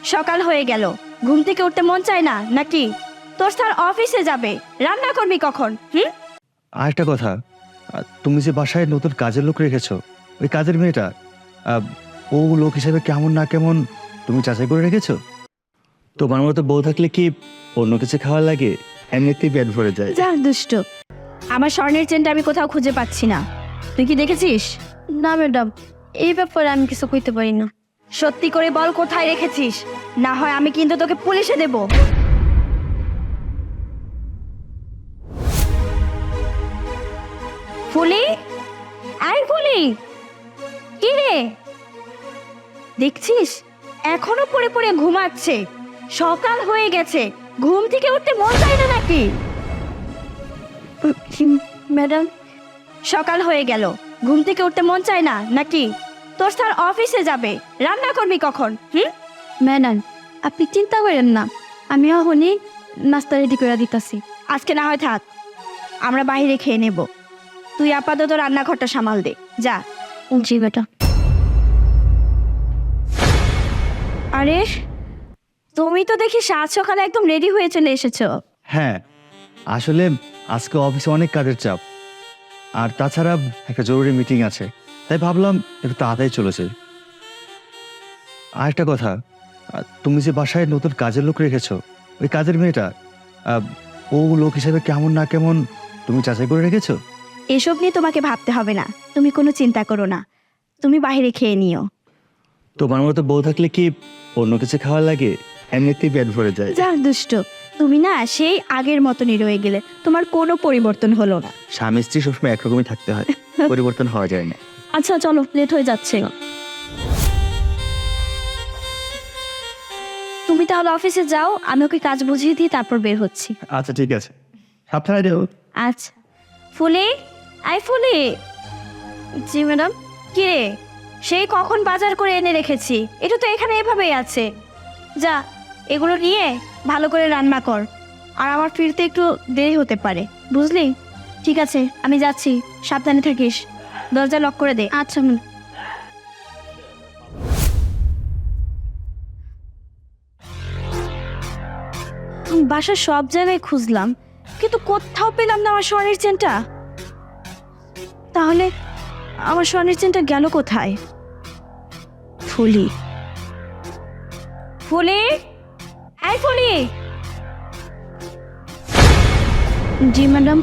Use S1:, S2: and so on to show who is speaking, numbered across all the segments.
S1: সকাল হয়ে গেল, ঘুম থেকে উঠতে মন চায় না নাকি? তোর স্যার অফিসে যাবে, রান্না করবি কখন?
S2: আর একটা কথা, তুমি যে বাসায় নতুন কাজের লোক রেখেছো, ওই কাজের মেয়েটা ও লোক হিসেবে কেমন না কেমন তুমি যাচাই করে রেখেছো? তোমার মতো বউ থাকলে কি অন্য কিছু খাওয়া লাগে? এমনিতেই পেট ভরে যায়।
S1: যা দুষ্ট। আমার স্বর্ণের চেনটা আমি কোথাও খুঁজে পাচ্ছি না, তুই কি দেখেছিস?
S3: না ম্যাডাম, এই ব্যাপারে আমি কিছু কইতে পারি না।
S1: সত্যি করে বল কোথায় রেখেছিস, না হয় আমি কিন্তু তোকে পুলিশে দেব। ফুলি, আই ফুলি, কি রে? দেখছিস এখনো পড়ে পড়ে ঘুমাচ্ছে, সকাল হয়ে গেছে, ঘুম থেকে উঠতে মন চায় না নাকি?
S3: ম্যাডাম,
S1: সকাল হয়ে গেল, ঘুম থেকে উঠতে মন চায় না নাকি? তোর স্যার অফিসে যাবে, রান্না করবি কখন?
S3: ম্যাডাম আপনি চিন্তা করেন না, আমি এখনই নাস্তা রেডি করে দিতেছি।
S1: আজকে না হয় থাক, আমরা বাইরে খেয়ে নেব। তুই আপাতত রান্নাঘরটা সামাল দে, যা।
S3: জি বেটা।
S1: আরে তুমি তো দেখি সাত সকালে একদম রেডি হয়ে চলে এসেছো।
S2: হ্যাঁ, আসলে আজকে অফিসে অনেক কাজের চাপ, আর তাছাড়া একটা জরুরি মিটিং আছে, তাই ভাবলাম একটু তাড়াতাড়ি চলেছে। আর একটা কথা, তুমি যে বাসায় নতুন কাজের লোক রেখেছো, ওই কাজের মেয়েটা ও লোক হিসেবে কেমন না কেমন তুমি যাচাই করে রেখেছো?
S1: এসব নিয়ে তোমাকে ভাবতে হবে না, তুমি কোনো চিন্তা করো না, তুমি বাইরে খেয়ে নিও।
S2: তোমার মতো বউ থাকলে কি অন্য কিছু খাওয়া লাগে? এমনিতেই পেট ভরে যায়।
S1: যা দুষ্ট, তুমি না সেই আগের মতনই রয়ে গেলে, তোমার কোনো পরিবর্তন হলো না।
S2: স্বামী স্ত্রী সবসময় একরকমই থাকতে হয়, পরিবর্তন হওয়া যায় না।
S1: আচ্ছা চলো, লেট হয়ে যাচ্ছে। তুমি তাহলে অফিসে যাও, আমি ওকে কাজ বুঝিয়ে দিই, তারপর বের হচ্ছি।
S2: আচ্ছা ঠিক আছে, সাবধানে যেও।
S1: আচ্ছা। ফুলি, আই ফুলি।
S3: জি ম্যাডাম।
S1: কি রে, সেই কখন বাজার করে এনে রেখেছি, এটা তো এখানে এভাবেই আছে। যা, এগুলো নিয়ে ভালো করে রান্না কর, আর আমার ফিরতে একটু দেরি হতে পারে, বুঝলি? ঠিক আছে, আমি যাচ্ছি, সাবধানে থাকিস, দরজা লক করে দে।
S3: আচ্ছা ম্যাডাম।
S1: বাসার সব জায়গায় খুঁজলাম, কিন্তু কোথাও পেলাম না আমার স্বর্ণের চেনটা। তাহলে আমার স্বর্ণের চেনটা গেল কোথায়? ফুলি, ফুলি, এই ফুলি।
S3: জি ম্যাডাম।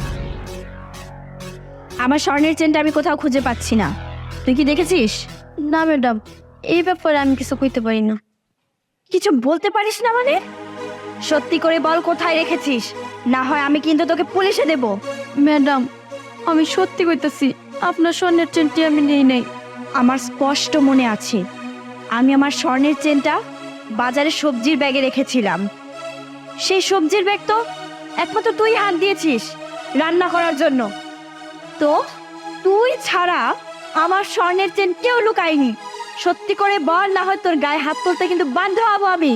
S1: আমার স্বর্ণের চেনটা আমি কোথাও খুঁজে পাচ্ছি না, তুই কি দেখেছিস?
S3: না ম্যাডাম, এই ব্যাপারে আমি কিছু কইতে পারি না।
S1: কিছু বলতে পারিস না মানে? সত্যি করে বল কোথায় রেখেছিস, না হয় আমি কিন্তু তোকে পুলিশে দেব।
S3: ম্যাডাম আমি সত্যি কইতাছি, আপনার স্বর্ণের চেনটি আমি নেই নাই।
S1: আমার স্পষ্ট মনে আছে, আমি আমার স্বর্ণের চেনটা বাজারে সবজির ব্যাগে রেখেছিলাম। সেই সবজির ব্যাগ তো একমাত্র তুই হাত দিয়েছিস রান্না করার জন্য। তো তুই ছাড়া আমার স্বর্ণের চেন কেউ লুকায়নি। সত্যি করে বল, না হয় তোর গায়ে হাত তুলতে কিন্তু বাধ্য হবো আমি।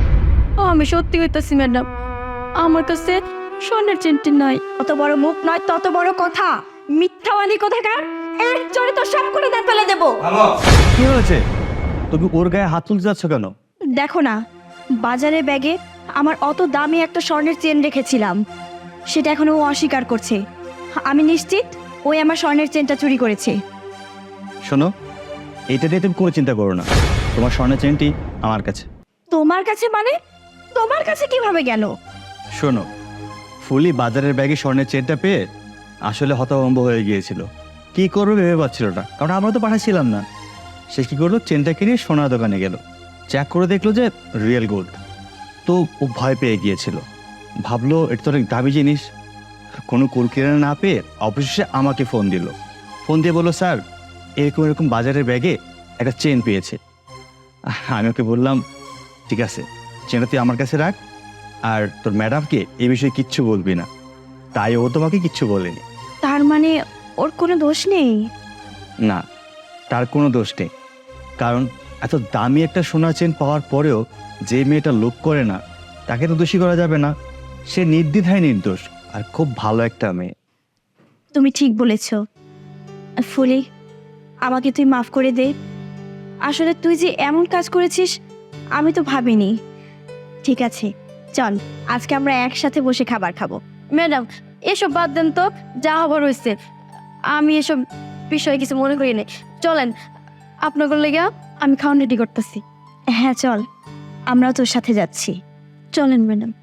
S3: আমি সত্যি কইতাছি ম্যাডাম, আমার কাছে স্বর্ণের চেনটি নাই।
S1: অত বড় মুখ নয় তত বড় কথা, মিথ্যাবাদী কোথাকার, এক চড়ে তো সব করে দাঁত ফেলে দেবো।
S2: কি হয়েছে? তুমি ওর গায়ে হাত তুলতে যাচ্ছ কেন?
S1: দেখো না, বাজারে ব্যাগে আমার অত দামি একটা স্বর্ণের চেন রেখেছিলাম, সেটা এখন ও অস্বীকার করছে। আমি নিশ্চিত ওই আমার স্বর্ণের চেনটা চুরি করেছে।
S2: শোনো, এটা নিয়ে তুমি কোনো চিন্তা করো না, তোমার স্বর্ণের চেনটি আমার কাছে।
S1: তোমার কাছে মানে? তোমার কাছে কিভাবে গেল?
S2: শোনো, ফুলি বাজারের ব্যাগে স্বর্ণের চেনটা পেয়ে আসলে হতভম্ব হয়ে গিয়েছিল, কি করবে ভেবে পাচ্ছিল না, কারণ আমরা তো পাঠাচ্ছিলাম না। সে কি করলো, চেনটা কিনে সোনার দোকানে গেল, চেক করে দেখলো যে রিয়েল গোল্ড। তো ও ভয় পেয়ে গিয়েছিল, ভাবলো এটা তো অনেক দামি জিনিস। কোনো কুলকিরানা না পেয়ে অবশেষে আমাকে ফোন দিয়ে বললো, স্যার এরকম এরকম বাজারের ব্যাগে একটা চেন পেয়েছে। আমি ওকে বললাম, ঠিক আছে, চেনটা তুই আমার কাছে রাখ, আর তোর ম্যাডামকে এই বিষয়ে কিচ্ছু বলবি না। তাই ও তোমাকে কিচ্ছু বলেনি।
S1: তার মানে ওর কোনো দোষ নেই?
S2: না, তার কোনো দোষ নেই, কারণ এত দামি একটা সোনার চেন পাওয়ার পরেও যে মেয়েটা লোভ করে না, তাকে তো দোষী করা যাবে না। সে নির্দ্বিধায় নির্দোষ, আর খুব ভালো একটা মেয়ে।
S1: তুমি ঠিক বলেছ ফুলি, আমাকে তুই মাফ করে দে। আসলে তুই যে এমন কাজ করেছিস আমি তো ভাবিনি। ঠিক আছে, চল আজকে আমরা একসাথে বসে খাবার খাবো।
S3: ম্যাডাম এসব বাদ দেন তো, যা হবার হয়েছে। আমি এসব বিষয়ে কিছু মনে করি না। চলেন, আপনাদের লেগে আমি খাওয়ান রেডি করতেছি।
S1: হ্যাঁ চল, আমরাও তোর সাথে যাচ্ছি।
S3: চলেন ম্যাডাম।